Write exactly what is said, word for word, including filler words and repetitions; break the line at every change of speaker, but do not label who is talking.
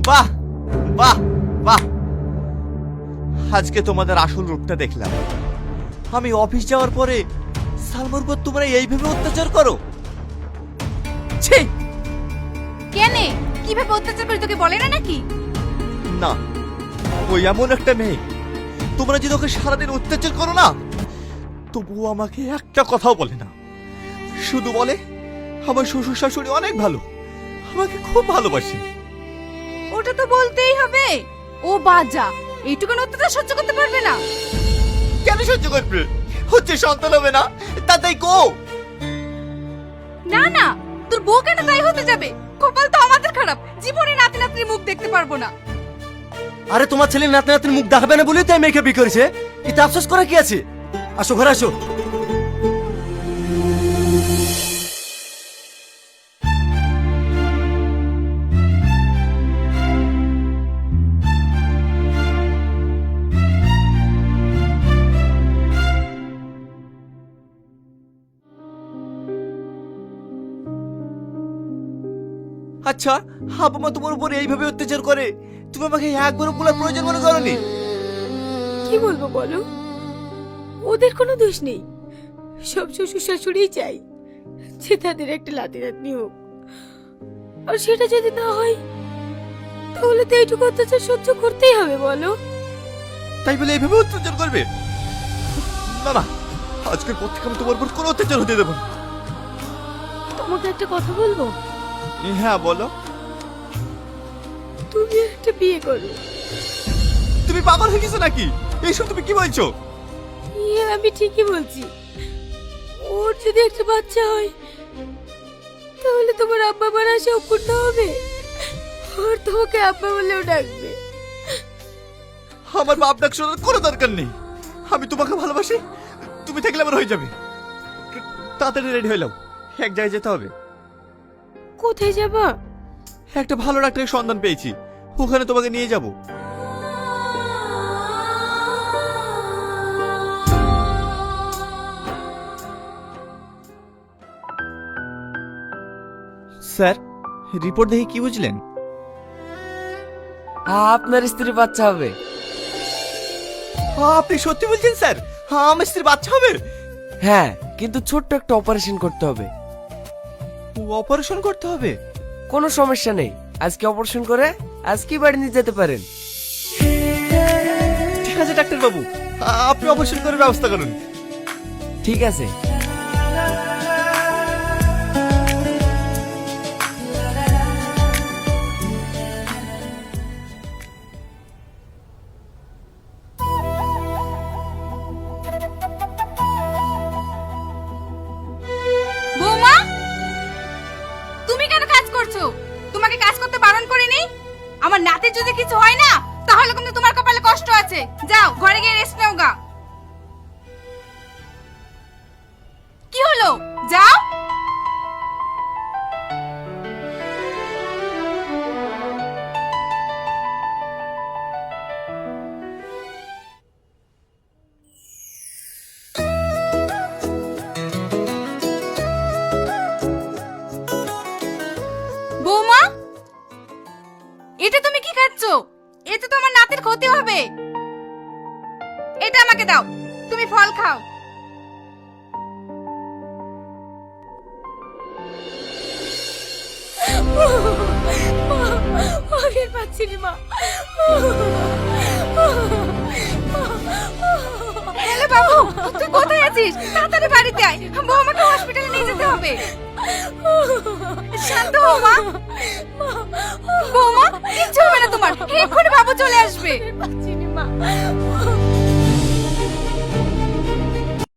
বাহ বাহ বাহ, আজকে তোমাদের আসল রূপটা দেখলাম। আমি অফিস যাওয়ার পরে সালমার উপর তোমরা এইভাবে অত্যাচার করো? ছি!
কেনে কিভাবে অত্যাচার করে তোকে বলে না নাকি?
না, ওই এমন একটা মেয়ে, তোমরা যদি ওকে সারাদিন অত্যাচার করো না, তবুও আমাকে একটা কথাও বলে না। শুধু বলে আমার শ্বশুর শাশুড়ি অনেক ভালো, আমাকে খুব ভালোবাসে।
ওটা তো বলতেই হবে। ও বাজা, এইটুকুন অত্যাচার সহ্য করতে পারবে না।
কেন সহ্য করবে? হচ্ছে সন্তান হবে না, তাতেই কো।
না না, তোর বউ কেন তাই হতে যাবে? কপাল তো আমাদের খারাপ, জীবনে নাতি নাতনির মুখ দেখতে পারবো না।
আরে তোমার ছেলে নাতি নাতির মুখ দেখাবে না বলেই তাই মেয়েকে বিয়ে করেছে। এতে আফসোস করা কি আছে? আসো ঘরে আসো।
আচ্ছা, হাবা মা তোমার উপর এইভাবে অত্যাচার করে, তুমি আমাকে একবারও বলার প্রয়োজন মনে করনি?
কি বলবো বলো, ওদের কোনো দোষ নেই। সব শ্বশুর শাশুড়িই চাই যে তাদের একটা লাতি নাতনি হোক, আর সেটা যদি না হয় তাহলে তো এইটুকু অত্যাচার সহ্য করতেই হবে বলো।
তাই বলে এইভাবে অত্যাচার করবে? না না, আজকের পর থেকে আমি তোমার উপর কোনো অত্যাচার হতে দেবো না।
তোমাকে একটা কথা বলবো?
হ্যাঁ বলো।
তুমি একটা বিয়ে করো।
তুমি পাগল হয়ে গেছো নাকি? এইসব তুমি কি বলছো?
ইয়ে, আমি ঠিকই বলছি। ওর যদি একটা বাচ্চা হয় তাহলে তোমার আব্বা মার আশা অপূর্ণ হবে, আর তোমাকে আব্বা বলেও ডাকবে।
আমার বাপ ডাক শোনার কোনো দরকার নেই। আমি তোমাকে ভালোবাসি, তুমি থাকলে আমার হয়ে যাবে। তাড়াতাড়ি রেডি হয়ে নাও, এক জায়গায় যেতে হবে।
কোথায় যাবা?
একটা ভালো ডাক্তারের সন্ধান পেয়েছি, ওখানে তোমাকে নিয়ে যাব। স্যার, রিপোর্ট দেখে কি বুঝলেন?
আপনার স্ত্রী বাচ্চা হবে।
আপনি সত্যি বলছেন স্যার? আমার স্ত্রীর বাচ্চা হবে?
হ্যাঁ, কিন্তু ছোট্ট একটা অপারেশন করতে হবে।
অপারেশন করতে হবে?
কোনো সমস্যা নেই, আজকে অপারেশন করে আজকেই বাড়ি নিয়ে যেতে পারেন।
ঠিক আছে ডাক্তার বাবু, আপনি অপারেশন করার ব্যবস্থা করুন।
ঠিক আছে।
বৌমা, তুমি কেন কাজ করছো? তোমাকে কাজ করতে বারণ করিনি? আমার নাতির যদি কিছু হয় না তাহলে কিন্তু তোমার কপালে কষ্ট আছে। যাও ঘরে গিয়ে রেস্ট নাও গা। কি হলো? যাও। বৌমা, এটা তুমি কি খাচ্ছো? এতে তো আমার নাতির ক্ষতি হবে। এটা আমাকে দাও, তুমি ফল খাও।
আমি আর পাচ্ছি না মা।
হ্যালো বাবু, তুই কোথায় আছিস? তাড়াতাড়ি বাড়িতে আয়, বৌমাকে হসপিটালে নিয়ে যেতে হবে। শান্ত হও মা। বৌমা, কিচ্ছু হবে না তোমার, এক্ষুনি বাবু চলে আসবে।
পাচ্ছি না মা।